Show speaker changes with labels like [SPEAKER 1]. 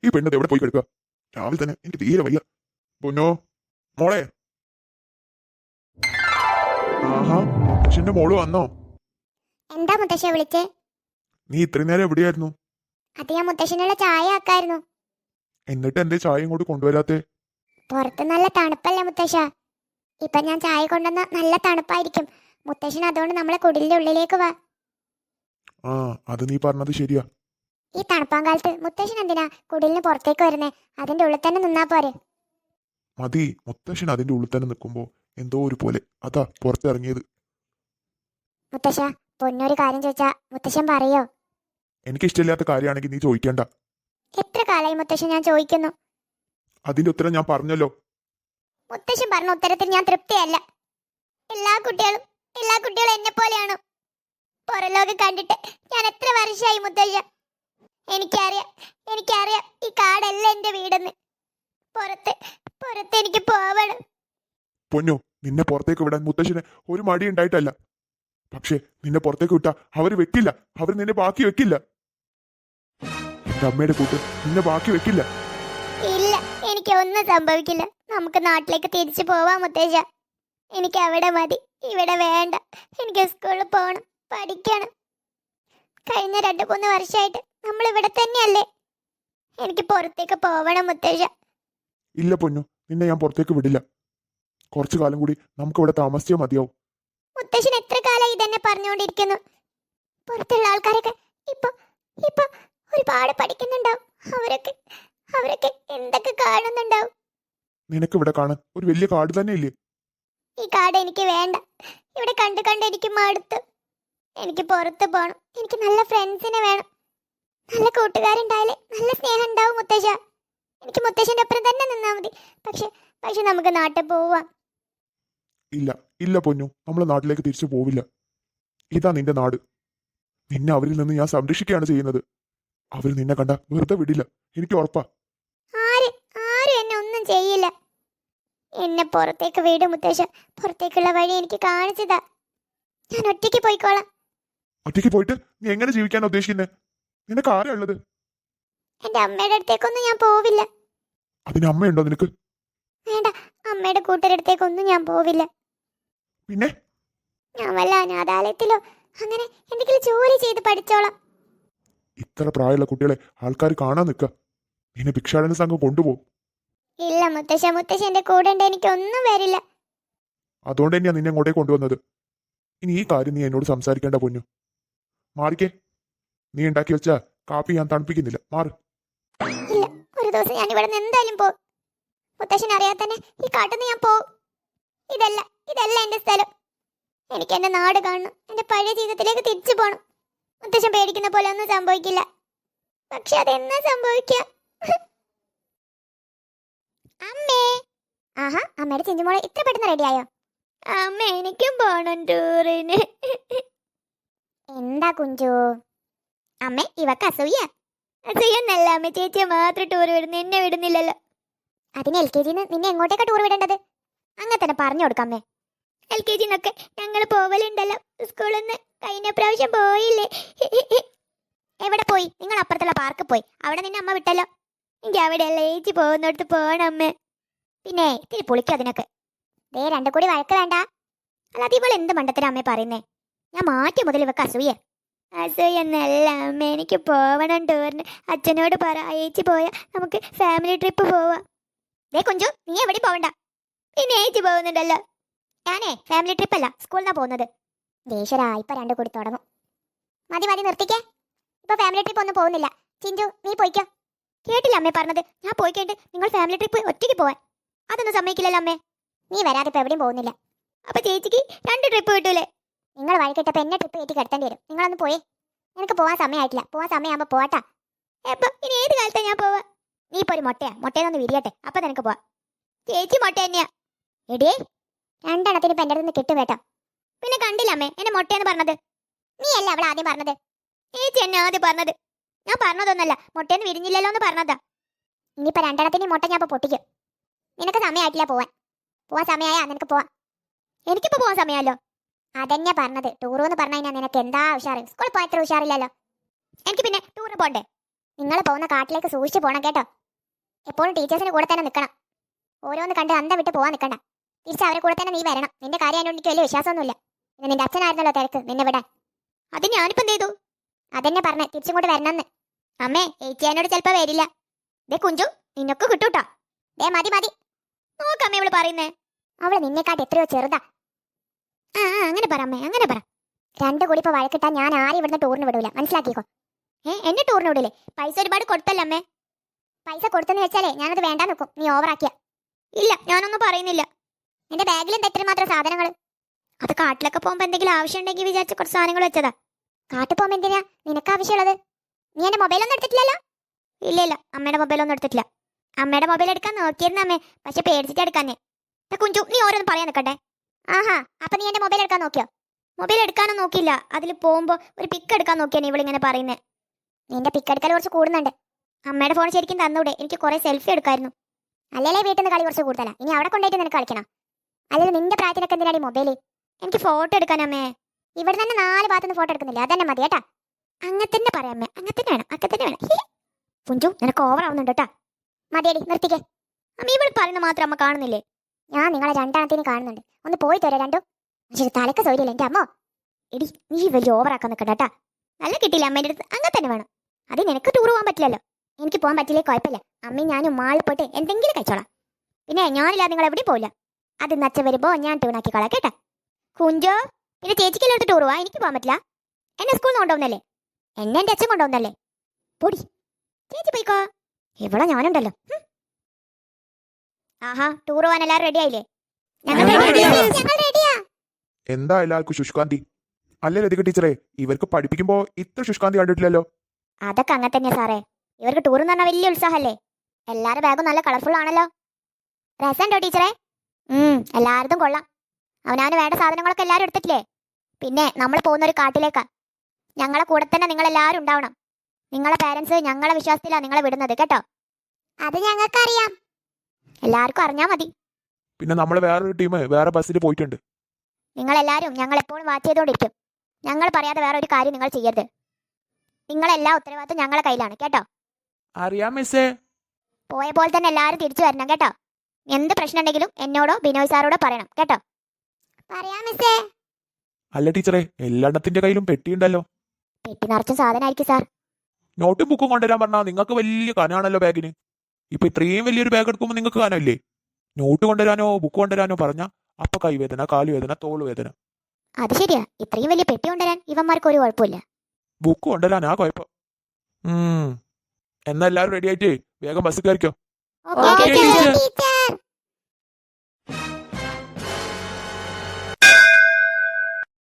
[SPEAKER 1] ഈ പെണ്ണത് എവിടെ പോയി കിടക്കുക? രാവിലെ തന്നെ എനിക്ക് തീരെ വയ്യ. പൊന്നോ മോളെ. ആഹാ, മുത്തശ്ശന്റെ മോള് വന്നോ?
[SPEAKER 2] എന്താ മുത്തശ്ശ വിളിച്ചേ?
[SPEAKER 1] നീ ഇത്രയും നേരം എവിടെയായിരുന്നു?
[SPEAKER 2] അത് ഞാൻ മുത്തശ്ശനുള്ള ചായ ആക്കായിരുന്നു.
[SPEAKER 1] എന്നിട്ട് എന്റെ ചായ ഇങ്ങോട്ട് കൊണ്ടുവരാത്തെ?
[SPEAKER 2] പുറത്ത് നല്ല തണുപ്പല്ലേ മുത്തശ്ശ? ഇപ്പൊ ഞാൻ ചായ കൊണ്ടുവന്ന നല്ല തണുപ്പായിരിക്കും. മുത്തശ്ശൻ അതുകൊണ്ട് നമ്മളെ കുടിലിന്റെ ഉള്ളിലേക്ക് വാ.
[SPEAKER 1] ആ, അത് നീ പറഞ്ഞത് ശരിയാ.
[SPEAKER 2] ഈ തണുപ്പാൻ കാലത്ത് മുത്തശ്ശൻ എന്തിനാ കുടിലിന് പുറത്തേക്ക് വരുന്നേ? അതിന്റെ ഉള്ളിൽ തന്നെ നിന്നാ പോരെ.
[SPEAKER 1] മതി, മുത്തശ്ശൻ അതിന്റെ ഉള്ളിൽ തന്നെ നിൽക്കുമ്പോ എന്തോ ഒരു പോലെ അതാ പുറത്തിറങ്ങിയത്.
[SPEAKER 2] മുത്തശ്ശ, പൊന്നൊരു കാര്യം ചോദിച്ചാ മുത്തശ്ശൻ പറയോ?
[SPEAKER 1] എനിക്കിഷ്ടമില്ലാത്ത കാര്യമാണെങ്കിൽ നീ ചോദിക്കേണ്ട.
[SPEAKER 2] എത്ര കാലായി മുത്തശ്ശൻ ഞാൻ ചോദിക്കുന്നു.
[SPEAKER 1] അതിന്റെ ഉത്തരം ഞാൻ പറഞ്ഞല്ലോ.
[SPEAKER 2] മുത്തശ്ശൻ പറഞ്ഞ ഉത്തരത്തിൽ ഞാൻ തൃപ്തിയല്ല. എല്ലാ കുട്ടികളും എന്നെ പോലെയാണോ? പുറലോകം കണ്ടിട്ട് ഞാൻ എത്ര വർഷമായി മുത്തശ്ശ. എനിക്കറിയാം ഈ കാടല്ല എന്റെ വീടെന്ന്. പുറത്ത് എനിക്ക് പോവണം.
[SPEAKER 1] പൊന്നു, നിന്നെ പുറത്തേക്ക് വിടാൻ മുത്തശ്ശന് ഒരു മടി ഉണ്ടായിട്ടല്ല. പക്ഷെ നിന്നെ പുറത്തേക്ക് വിട്ടാ അവര് വെക്കില്ല. അവർ നിന്നെ ബാക്കി വെക്കില്ല. എന്റെ അമ്മയുടെ കൂട്ട് നിന്നെ ബാക്കി വെക്കില്ല.
[SPEAKER 2] ഇല്ല, എനിക്ക് ഒന്നും സംഭവിക്കില്ല. നമുക്ക് നാട്ടിലേക്ക് തിരിച്ചു പോവാം മുത്തശ്ശ. എനിക്ക് അവിടെ മതി, ഇവിടെ വേണ്ട. എനിക്ക് സ്കൂളിൽ പോകണം, പഠിക്കണം. കഴിഞ്ഞ 2-3 വർഷമായിട്ട് നമ്മൾ ഇവിടെ തന്നെയല്ലേ. എനിക്ക് പുറത്തേക്ക് പോവണം മുത്തശ്ശ.
[SPEAKER 1] ഇല്ല പൊന്നു, നിന്നെ ഞാൻ പുറത്തേക്ക് വിടില്ല. കുറച്ചു കാലം കൂടി നമുക്ക് ഇവിടെ താമസിച്ചേ മതിയാവും.
[SPEAKER 2] മുത്തശ്ശൻ എത്ര കാലമായി ഇതന്നെ പറഞ്ഞുകൊണ്ടിരിക്കുന്നു. പുറത്തുള്ള ആൾക്കാരൊക്കെ ഇപ്പൊ ഒരുപാട് പഠിക്കുന്നുണ്ടാവും. അവരൊക്കെ എന്തൊക്കെ കാണുന്നുണ്ടാവും.
[SPEAKER 1] നിനക്ക് ഇവിടെ കാണാൻ ഒരു വലിയ കാട് തന്നെ ഇല്ലേ?
[SPEAKER 2] ഈ കാട് എനിക്ക് വേണ്ട. ഇവിടെ കണ്ട് എനിക്ക് മടുത്തു. എനിക്ക് പുറത്ത് പോകണം. എനിക്ക് നല്ല ഫ്രണ്ട്സിനെ വേണം. നല്ല കൂട്ടുകാരുണ്ടായാലേ നല്ല സ്നേഹം ഉണ്ടാവും മുത്തശ്ശ. എനിക്ക് മുത്തശ്ശന്റെ ഒപ്പം തന്നെ നിന്നാ മതി. പക്ഷെ നമുക്ക് നാട്ടിൽ പോവാം.
[SPEAKER 1] ഇല്ല പൊന്നു, നമ്മളെ നാട്ടിലേക്ക് തിരിച്ചു പോവില്ല. ഇതാ നിന്റെ നാട്. നിന്നെ അവരിൽ നിന്ന് ഞാൻ സംരക്ഷിക്കുകയാണ് ചെയ്യുന്നത്. അവർ നിന്നെ കണ്ട വെറുതെ വിടില്ല, എനിക്ക് ഉറപ്പാ.
[SPEAKER 2] ആരും എന്നെ ഒന്നും ചെയ്യില്ല. എന്നെ പുറത്തേക്ക് വീട് മുത്തശ്ശ. പുറത്തേക്കുള്ള വഴി എനിക്ക് കാണിച്ചതാ. ഞാൻ ഒറ്റയ്ക്ക് പോയിക്കോളാം.
[SPEAKER 1] ഒറ്റയ്ക്ക് പോയിട്ട് നീ എങ്ങനെ ജീവിക്കാനാ ഉദ്ദേശിക്കുന്നത്? നിനക്ക് ആരാ ഉള്ളത്?
[SPEAKER 2] എന്റെ അമ്മയുടെ അടുത്തേക്കൊന്നും ഞാൻ പോവില്ല.
[SPEAKER 1] അതിന് അമ്മയുണ്ടോ നിനക്ക്?
[SPEAKER 2] വേണ്ട, അമ്മയുടെ കൂട്ടരടുത്തേക്കൊന്നും ഞാൻ പോവില്ല.
[SPEAKER 1] പിന്നെ
[SPEAKER 2] ഞാൻ വല്ല അനാഥാലയത്തിലോ അങ്ങനെ എന്തെങ്കിലും ജോലി ചെയ്ത് പഠിച്ചോളാം.
[SPEAKER 1] ഇത്ര പ്രായമുള്ള കുട്ടികളെ ആൾക്കാർ കാണാൻ നിൽക്കുക. നിന്നെ ഭിക്ഷാടന സംഘം കൊണ്ടുപോകും.
[SPEAKER 2] ഇല്ല മുത്തശ്ശന്റെ കൂടെ ഉണ്ട്, എനിക്കൊന്നും വരില്ല.
[SPEAKER 1] അതുകൊണ്ട് തന്നെയാ നിന്നെ അങ്ങോട്ടേ കൊണ്ടുവന്നത്. ഇനി ഈ കാര്യം നീ എന്നോട് സംസാരിക്കേണ്ട പൊന്നു. മാറിക്കേ. നീ ഉണ്ടാക്കി വെച്ച കാപ്പി ഞാൻ തണുപ്പിക്കുന്നില്ല. മാറ്.
[SPEAKER 2] ഇല്ല, ഒരു ദിവസം ഞാൻ ഇവിടെ നിന്ന് എന്തായാലും പോകും. മുത്തശ്ശൻ അറിയാതെ തന്നെ ഈ കാട്ടിന്ന് ഞാൻ പോകും. ഇതല്ല എന്റെ സ്ഥലം. എനിക്ക് എന്റെ നാട് കാണണം. എന്റെ പഴയ ജീവിതത്തിലേക്ക് തിരിച്ചു പോകണം. മുത്തശ്ശൻ പേടിക്കുന്ന പോലെ ഒന്നും സംഭവിക്കില്ല. പക്ഷെ അതെന്നാ സംഭവിക്കുക? അമ്മേ. ആഹാ, അമ്മയുടെ ചിഞ്ചുമോളെ ഇത്ര പെട്ടെന്ന് റെഡിയായോ? അമ്മ, എനിക്കും പോണം ടൂറിന്. എന്താ കുഞ്ചു? അമ്മേ, ഇവക്ക് അസൂയൊന്നല്ല അമ്മ. ചേച്ചിയെ മാത്രം ടൂർ വിടുന്നു, എന്നെ വിടുന്നില്ലല്ലോ. അതിന് LKG നിന്നെ എങ്ങോട്ടേക്കാ ടൂർ വിടേണ്ടത്? അങ്ങനെ തന്നെ പറഞ്ഞു കൊടുക്കാമേ. LKG ഞങ്ങൾ പോവലുണ്ടല്ലോ സ്കൂളിൽ നിന്ന്. കഴിഞ്ഞ പ്രാവശ്യം പോയില്ലേ? എവിടെ പോയി? നിങ്ങൾ അപ്പുറത്തുള്ള പാർക്കിൽ പോയി. അവിടെ നിന്നെ അമ്മ വിട്ടല്ലോ. എനിക്ക് അവിടെയല്ല, ചേച്ചി പോകുന്നിടത്ത് പോകണം അമ്മേ. പിന്നെ ഇത്തിരി പൊളിക്കും അതിനൊക്കെ. ദേ, 2 കൂടി വഴക്ക് വേണ്ട. അല്ലാതെ ഇവൾ എന്ത് മണ്ടത്തിനാ അമ്മേ പറയുന്നേ? ഞാൻ മാറ്റിയ മുതൽ ഇവക്ക് അസൂയെന്നല്ല അമ്മ. എനിക്ക് പോവണം ടൂറിന്. അച്ഛനോട് പറ, ചേച്ചി പോയാ നമുക്ക് ഫാമിലി ട്രിപ്പ് പോവാം. ദേ കുഞ്ചു, നീ എവിടെ പോവണ്ട. പിന്നെ ചേച്ചി പോകുന്നുണ്ടല്ലോ. ഞാനേ ഫാമിലി ട്രിപ്പ് അല്ല, സ്കൂളിൽ നിന്നാ പോകുന്നത്. ദേഷ്യരാ, ഇപ്പൊ 2 കൂടി തുടങ്ങും. മതി നിർത്തിക്കേ. ഇപ്പൊ ഫാമിലി ട്രിപ്പ് ഒന്നും പോകുന്നില്ല. ചിഞ്ചു, നീ പോയിക്കോ. കേട്ടില്ല അമ്മേ പറഞ്ഞത്? ഞാൻ പോയി കഴിഞ്ഞിട്ട് നിങ്ങൾ ഫാമിലി ട്രിപ്പ് ഒറ്റയ്ക്ക് പോവാൻ. അതൊന്നും സമ്മതിക്കില്ലല്ലോ അമ്മേ. നീ വരാതെ ഇപ്പൊ എവിടെയും പോകുന്നില്ല. അപ്പൊ ചേച്ചിക്ക് 2 ട്രിപ്പ് കിട്ടൂലേ? നിങ്ങൾ വഴി കിട്ടപ്പോ എന്നെ ട്രിപ്പ് കയറ്റി കിടത്തേണ്ടി വരും. നിങ്ങളൊന്ന് പോയേ. എനിക്ക് പോവാൻ സമയമായിട്ടില്ല. പോവാൻ സമയമാകുമ്പോ പോട്ടാ. എപ്പോ? ഇനി ഏത് കാലത്താ ഞാൻ പോവാ? നീ ഇപ്പൊ ഒരു മുട്ടയെന്നൊന്ന് വിരിയട്ടെ, അപ്പൊ നിനക്ക് പോവാ. ചേച്ചി മുട്ട തന്നെയാ. എടിയേ, 2 എണ്ണത്തിന് ഇപ്പൊ എന്റെ അടുത്ത് കിട്ടും കേട്ടോ. പിന്നെ കണ്ടില്ല അമ്മേ എന്നെ മുട്ടയെന്ന് പറഞ്ഞത്? നീ അല്ല അവൾ ആദ്യം പറഞ്ഞത്. ചേച്ചി എന്നെ ആദ്യം പറഞ്ഞത്. ഞാൻ പറഞ്ഞതൊന്നല്ല, മുട്ടയെന്ന് വിരിഞ്ഞില്ലല്ലോ എന്ന് പറഞ്ഞതാ. ഇനിയിപ്പോ 2 എണ്ണത്തിന് മുട്ട ഞാൻ ഇപ്പൊ പൊട്ടിക്കും. നിനക്ക് സമയമായിട്ടില്ല പോവാൻ. പോവാൻ സമയമായാ നിനക്ക് പോവാ. എനിക്കിപ്പോ പോവാൻ സമയമല്ലോ. അതന്നെ പറഞ്ഞത്. ടൂറെന്ന് പറഞ്ഞു കഴിഞ്ഞാൽ നിനക്ക് എന്താ ഉഷാറ്? സ്കൂളിൽ പോയത്ര ഉഷാറില്ലല്ലോ. എനിക്ക് പിന്നെ ടൂറ് പോണ്ടേ? നിങ്ങൾ പോകുന്ന കാട്ടിലേക്ക് സൂക്ഷിച്ചു പോണം കേട്ടോ. എപ്പോഴും ടീച്ചേഴ്സിന് കൂടെ തന്നെ നിൽക്കണം. ഓരോന്ന് കണ്ട് അന്തം വിട്ട് പോവാൻ നിൽക്കണ്ട. തിരിച്ച് അവരെ കൂടെ തന്നെ നീ വരണം. നിന്റെ കാര്യം അതിനോട് എനിക്ക് വലിയ വിശ്വാസമൊന്നുമില്ല. പിന്നെ നിന്റെ അച്ഛനായിരുന്നല്ലോ തിരക്ക് നിന്നെ വിടാൻ. അത് ഞാനിപ്പോ എന്ത് ചെയ്തു? അതെന്നെ പറഞ്ഞേ തിരിച്ചും കൂടെ വരണമെന്ന്. അമ്മേ ഏച്ചിയാനോട് ചിലപ്പോ വരില്ല. ദേ കുഞ്ചു നിന്നൊക്കെ കിട്ടൂട്ടോ. ദേ മതി മതി. നോക്കമ്മേ ഇവള് പറയുന്നേ. അവള് നിന്നെക്കാട്ട് എത്രയോ ചെറുതാ. ആ അങ്ങനെ പറ അമ്മേ, അങ്ങനെ പറ. രണ്ടു കൂടി ഇപ്പൊ വഴക്കിട്ടാ ഞാൻ ആരും ഇവിടുന്ന് ടൂറിന് വിടൂല, മനസ്സിലാക്കിക്കോ. എന്നെ ടൂറിന് വിടൂലേ? പൈസ ഒരുപാട് കൊടുത്തല്ലേ അമ്മേ? പൈസ കൊടുത്തെന്ന് വെച്ചാലേ ഞാനത് വേണ്ട നിൽക്കും. നീ ഓവറാക്കിയ. ഇല്ല ഞാനൊന്നും പറയുന്നില്ല. നിന്റെ ബാഗിൽ എന്താ ഇത്ര മാത്രം സാധനങ്ങൾ? അത് കാട്ടിലൊക്കെ പോകുമ്പോ എന്തെങ്കിലും ആവശ്യം ഉണ്ടെങ്കിൽ വിചാരിച്ച കുറച്ച് സാധനങ്ങൾ വെച്ചതാ. കാട്ടിൽ പോകുമ്പോ എന്തിനാ നിനക്ക് ആവശ്യമുള്ളത്? നീ എന്റെ മൊബൈലൊന്നും എടുത്തിട്ടില്ലല്ലോ? ഇല്ല ഇല്ല, അമ്മയുടെ മൊബൈലൊന്നും എടുത്തിട്ടില്ല. അമ്മയുടെ മൊബൈൽ എടുക്കാൻ നോക്കിയിരുന്ന അമ്മേ, പക്ഷെ പേടിച്ചിട്ട് എടുക്കാനേ. കുഞ്ചു നീ ഓരോന്ന് പറയാൻ നിൽക്കട്ടെ. ആഹാ, അപ്പൊ നീ എന്റെ മൊബൈൽ എടുക്കാൻ നോക്കിയോ? മൊബൈൽ എടുക്കാനോ നോക്കിയില്ല. അതിൽ പോകുമ്പോ ഒരു പിക്ക് എടുക്കാൻ നോക്കിയാണ് ഇവളിങ്ങനെ പറയുന്നത്. നിന്റെ പിക്ക് എടുക്കൽ കുറച്ച് കൂടുന്നുണ്ട്. അമ്മയുടെ ഫോൺ ശരിക്കും തന്നൂടെ? എനിക്ക് കുറെ സെൽഫി എടുക്കായിരുന്നു. അല്ലേ വീട്ടിൽ നിന്ന് കളി കുറച്ച് കൂടുതലാ. ഇനി അവിടെ കൊണ്ടുപോയിട്ട് നിനക്ക് കളിക്കണം. അല്ലെങ്കിൽ നിന്റെ പ്രായത്തിനൊക്കെ എന്തിനാണ് ഈ മൊബൈല്? എനിക്ക് ഫോട്ടോ എടുക്കാനമ്മേ. ഇവിടെ തന്നെ 4 ഭാഗത്തുനിന്ന് ഫോട്ടോ എടുക്കുന്നില്ല, അതന്നെ മതി കേട്ടാ. അങ്ങനെ തന്നെ പറയാമേ, അങ്ങനെ തന്നെ വേണം, അങ്ങനെ തന്നെ വേണം. കുഞ്ചു നിനക്ക് ഓവർ ആവുന്നുണ്ട് കേട്ടാ. മതിയടി നിർത്തിക്കേ. അമ്മ ഇവിടെ പറയുന്ന മാത്രം അമ്മ കാണുന്നില്ലേ? ഞാൻ നിങ്ങളെ രണ്ടാമത്തേന് കാണുന്നുണ്ട്. ഒന്ന് പോയിട്ട് വരാം രണ്ടും. പക്ഷേ തലക്ക് സൗകര്യമില്ല എൻ്റെ അമ്മോ. എടി നീ വലിയ ഓവറാക്കാൻ നിൽക്കണ്ട കേട്ടാ. നല്ല കിട്ടിയില്ല അമ്മേൻ്റെ അടുത്ത്. അങ്ങനെ തന്നെ വേണം. അത് നിനക്ക് ടൂർ പോകാൻ പറ്റില്ലല്ലോ. എനിക്ക് പോകാൻ പറ്റില്ലേ കുഴപ്പമില്ല. അമ്മയും ഞാനും മാളിൽ പോയിട്ട് എന്തെങ്കിലും കഴിച്ചോളാം. പിന്നെ ഞാനില്ലാതെ നിങ്ങൾ എവിടെയും പോവില്ല. അത് നച്ച വരുമ്പോ ഞാൻ ടൂണാക്കിക്കോളാം കേട്ടാ. കുഞ്ചോ പിന്നെ ചേച്ചിക്ക് എല്ലായിടത്ത് ടൂർ പോവാ. എനിക്ക് പോകാൻ പറ്റില്ല. എന്നെ സ്കൂളിൽ നിന്ന് കൊണ്ടുപോകുന്നല്ലേ? എന്നെ എൻ്റെ അച്ഛൻ കൊണ്ടുപോകുന്നല്ലേ? പൊടി ചേച്ചി പോയിക്കോ. ഇവിടെ ഞാനുണ്ടല്ലോ. ആഹാ, ടൂർ പോകാൻ എല്ലാവരും റെഡി ആയില്ലേ? ഞങ്ങൾ റെഡിയാ.
[SPEAKER 1] എന്താ എല്ലാവർക്കും ശുഷ്കാന്തി? അല്ലേ ലതിക ടീച്ചറെ, ഇവർക്ക് പഠിപ്പിക്കുമ്പോ ഇത്ര ശുഷ്കാന്തി കണ്ടിട്ടില്ലല്ലോ.
[SPEAKER 2] അതൊക്കെ അങ്ങനെ തന്നെയാ സാറേ. ഇവർക്ക് ടൂർ എന്ന് പറഞ്ഞാൽ വലിയ ഉത്സാഹല്ലേ. എല്ലാവരുടെ ബാഗും നല്ല കളർഫുൾ ആണല്ലോ. രസമുണ്ടോ ടീച്ചറെ? എല്ലാവരും കൊള്ളാം. അവനാന് വേണ്ട സാധനങ്ങളൊക്കെ എല്ലാവരും എടുത്തിട്ടില്ലേ? പിന്നെ നമ്മൾ പോകുന്ന ഒരു കാട്ടിലേക്കാ. ഞങ്ങളെ കൂടെ തന്നെ നിങ്ങൾ എല്ലാവരും ഉണ്ടാവണം. നിങ്ങളെ പേരൻസ് ഞങ്ങളെ വിശ്വാസത്തിലാണ് നിങ്ങളെ വിടുന്നത് കേട്ടോ. അത് ഞങ്ങൾക്കറിയാം. എല്ലാവർക്കും അറിഞ്ഞാൽ മതി.
[SPEAKER 1] പിന്നെ നമ്മൾ വേറൊരു ടീം വേറെ ബസ്സിൽ പോയിട്ടുണ്ട്.
[SPEAKER 2] നിങ്ങളെല്ലാവരും ഞങ്ങൾ എപ്പോഴും വാച്ച് ചെയ്തുകൊണ്ടിരിക്കും. ഞങ്ങൾ പറയാതെ വേറെ ഒരു കാര്യം നിങ്ങൾ ചെയ്യരുത്. നിങ്ങളെല്ലാ ഉത്തരവാദിത്വം ഞങ്ങളെ കയ്യിലാണ് കേട്ടോ.
[SPEAKER 1] അറിയാം മിസ്സേ.
[SPEAKER 2] പോയ പോലെ തന്നെ എല്ലാവരും തിരിച്ചു വരണം കേട്ടോ. എന്ത് പ്രശ്നം ഉണ്ടെങ്കിലും എന്നോടോ ബിനോയ് സാറോടോ പറയണം കേട്ടോ. പറയാം മിസ്സേ.
[SPEAKER 1] അല്ല ടീച്ചറെ, എല്ലായിടത്തിന്റെ കയ്യിലും പെട്ടിയുണ്ടല്ലോ.
[SPEAKER 2] പെട്ടി നിറച്ചും സാധനമായിരിക്കും സാർ.
[SPEAKER 1] നോട്ടും ബുക്കും കൊണ്ടുവരാൻ പറഞ്ഞാൽ നിങ്ങൾക്ക് വലിയ കനാണല്ലോ ബാഗിന്. ഇപ്പൊ ഇത്രയും വലിയൊരു ബാഗ് എടുക്കുമ്പോൾ നിങ്ങൾക്ക് കനമില്ലേ? നോട്ട് കൊണ്ടുവരാനോ ബുക്ക് കൊണ്ടുവരാനോ പറഞ്ഞാ അപ്പൊ കൈവേദന, കാലുവേദന, തോളുവേദന.
[SPEAKER 2] അത് ശരിയാ. ഇത്രയും വലിയ പെട്ടി കൊണ്ടുവരാൻ ഇവന്മാർക്ക് ഒരു കുഴപ്പമില്ല.
[SPEAKER 1] ബുക്ക് കൊണ്ടുവരാനാ കുഴപ്പം. എന്നാ എല്ലാവരും റെഡി ആയിട്ട് വേഗം ബസ് കയറിക്കോ.
[SPEAKER 2] Okay teacher.